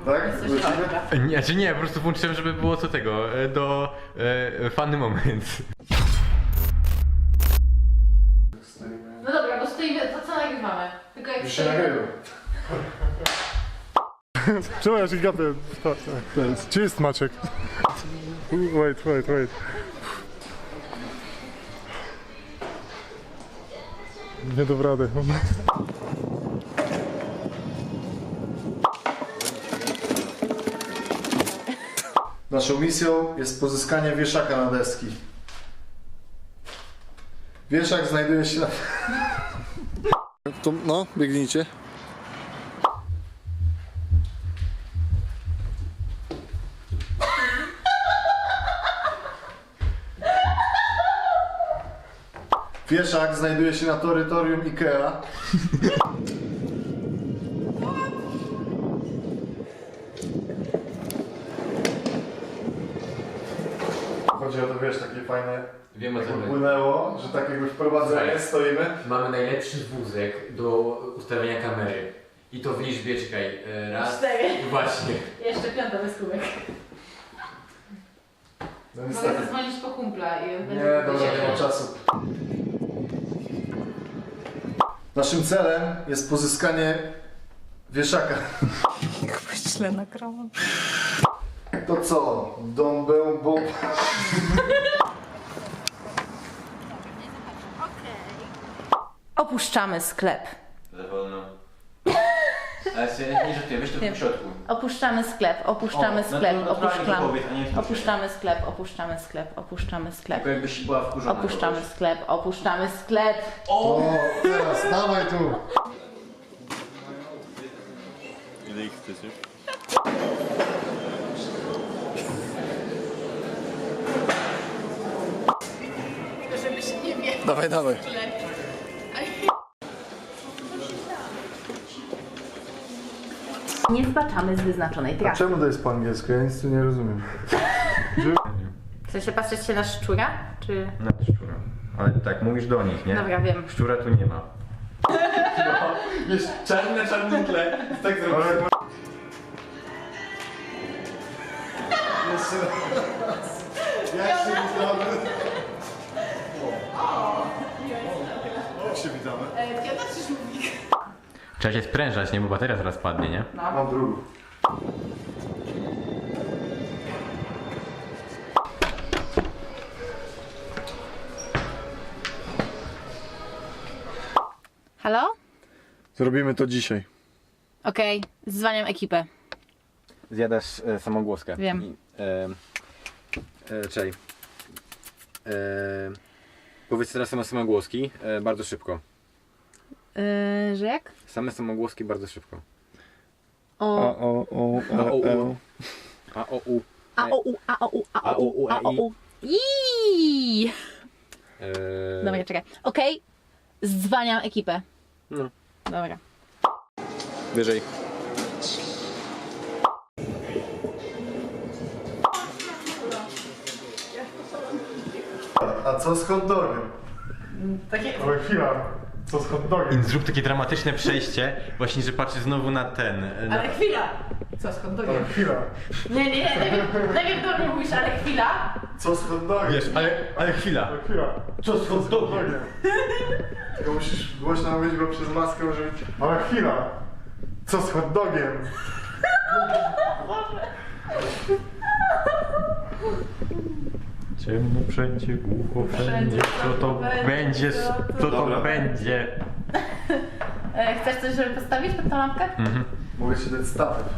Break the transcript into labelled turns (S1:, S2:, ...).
S1: Tak?
S2: Nie, czy nie, po prostu włączyłem, żeby było co tego, do funny moments.
S3: No dobra, bo stoimy, to co nagrywamy? Tylko jak
S1: Już się
S3: stoimy...
S1: nagrywa. Czemu ja się gapię? Gdzie jest Maciek? Wait. Nie dam rady. Naszą misją jest pozyskanie wieszaka na deski. Wieszak znajduje się na... Tu, no, biegnijcie. Wieszak znajduje się na terytorium Ikea. Chodzi o to, wiesz, takie fajne,
S2: Wiem o co chodzi.
S1: płynęło, że takiego wprowadzenia stoimy.
S2: Mamy najlepszy wózek do ustawienia kamery. I to w liczbie, czekaj, raz...
S3: 4.
S2: Właśnie.
S3: Jeszcze piąta bez kubek.
S1: No
S3: Mogę
S1: niestety.
S3: zadzwonić po kumpla i on będzie...
S1: Nie, dobra, nie ma czasu. Naszym celem jest pozyskanie wieszaka.
S3: Źle nagrałam.
S1: To co? Dąbę.
S3: Opuszczamy sklep.
S2: Za wolno. Ale sobie nie żartuję, weź to
S3: Nie.
S2: w środku.
S3: Opuszczamy sklep, opuszczamy
S2: O,
S3: sklep,
S2: naturalnie
S3: opuszczamy.
S2: to powiedz, a nie w tym
S3: Opuszczamy sklep, opuszczamy sklep, opuszczamy sklep.
S2: Tylko jakbyś była wkurzona.
S3: Opuszczamy sklep, opuszczamy sklep.
S1: O, teraz, dawaj tu.
S4: Ile ich chcesz już?
S3: Żeby się nie wie.
S1: Dawaj.
S3: Nie zbaczamy z wyznaczonej
S1: A
S3: trasy.
S1: czemu to jest po angielsku? Ja nic tu nie rozumiem.
S3: Chce się patrzeć się na szczura? Czy...
S2: Na szczura. Ale tak, mówisz do nich, nie?
S3: Dobra, wiem.
S2: Szczura tu nie ma. No, wiesz, czarne tle. Tak zrobię.
S1: Jeszcze raz. Jak się witamy? Jak się witamy?
S3: Piotr czy Żółwik?
S2: Trzeba się sprężać, nie? Bo bateria zaraz padnie, nie?
S1: Mam drugą.
S3: Halo?
S1: Zrobimy to dzisiaj.
S3: Okej, zwaniam ekipę.
S2: Zjadasz samogłoskę.
S3: Wiem.
S2: I, czekaj. Powiedz teraz same samogłoski, bardzo szybko.
S3: Że jak?
S2: Same samogłoski bardzo szybko.
S3: O.
S2: A, o, u.
S3: A, o, u, a, o, u, a, o, u, a, o, u. Iiii. Dobra, czekaj. Okej, zwaniam ekipę.
S2: No.
S3: Dobra.
S2: Wyżej.
S1: A co z hot dogiem?
S3: Takie...
S1: Ale chwila. Co z hot dogiem?
S2: Zrób takie dramatyczne przejście, właśnie, że patrzy znowu na ten. Na...
S3: Ale chwila! Co, skąd
S1: Ale
S3: dogiem?
S1: chwila.
S3: Nie, najpierw do mnie mówisz, ale chwila.
S1: Co z hot dogiem?
S2: Wiesz, ale chwila.
S1: Ale chwila.
S2: Co z hot dogiem?
S1: Tylko musisz głośno mówić go przez maskę, żeby... Ale chwila. Co z hot dogiem?
S2: Ciemno wszędzie, głucho wszędzie, co to będzie, co to będzie.
S3: Chcesz coś, żeby postawić pod tą lampkę?
S1: Mogę się dać statyw.